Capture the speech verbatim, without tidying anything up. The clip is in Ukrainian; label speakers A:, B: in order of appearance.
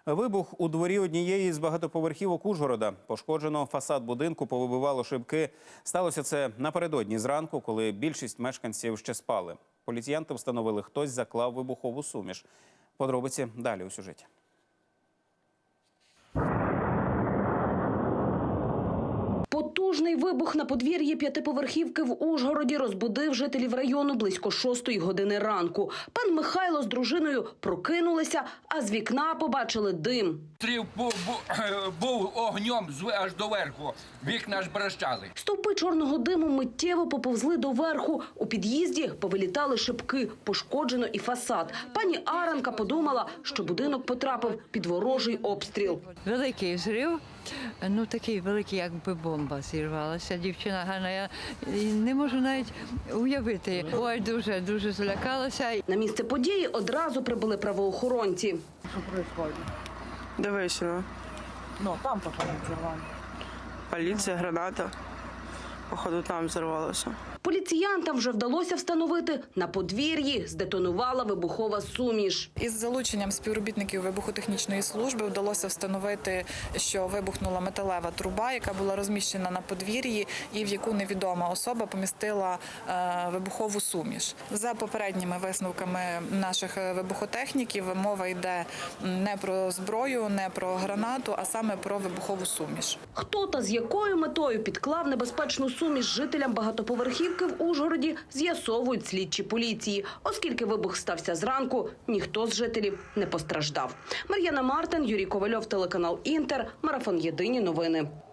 A: Вибух у дворі однієї з багатоповерхівок Ужгорода. Пошкоджено фасад будинку, повибивало шибки. Сталося це напередодні зранку, коли більшість мешканців ще спали. Поліціянти встановили, хтось заклав вибухову суміш. Подробиці далі у сюжеті.
B: Потужний вибух на подвір'ї п'ятиповерхівки в Ужгороді розбудив жителів району близько шостої години ранку. Пан Михайло з дружиною прокинулися, а з вікна побачили дим.
C: Стрів був, був, був огнем аж до верху, вікна аж брещали.
B: Стовпи чорного диму миттєво поповзли до верху. У під'їзді повилітали шибки, пошкоджено і фасад. Пані Аранка подумала, що будинок потрапив під ворожий обстріл.
D: Великий взрив, ну такий великий, якби бомба зірвалася. Дівчина гарна, я не можу навіть уявити. Ой, дуже, дуже злякалася.
B: На місце події одразу прибули правоохоронці.
E: Що відбувається?
F: Дивись, ну.
E: Ну, там походу взорвали.
F: Поліція, граната. Походу, там взорвалося.
B: Поліціянтам вже вдалося встановити, на подвір'ї здетонувала вибухова суміш.
G: Із залученням співробітників вибухотехнічної служби вдалося встановити, що вибухнула металева труба, яка була розміщена на подвір'ї і в яку невідома особа помістила е, вибухову суміш. За попередніми висновками наших вибухотехніків мова йде не про зброю, не про гранату, а саме про вибухову суміш.
B: Хто та з якою метою підклав небезпечну суміш жителям багатоповерхівки в Ужгороді, з'ясовують слідчі поліції. Оскільки вибух стався зранку, ніхто з жителів не постраждав. Мар'яна Мартин, Юрій Ковальов, телеканал «Інтер», марафон «Єдині новини».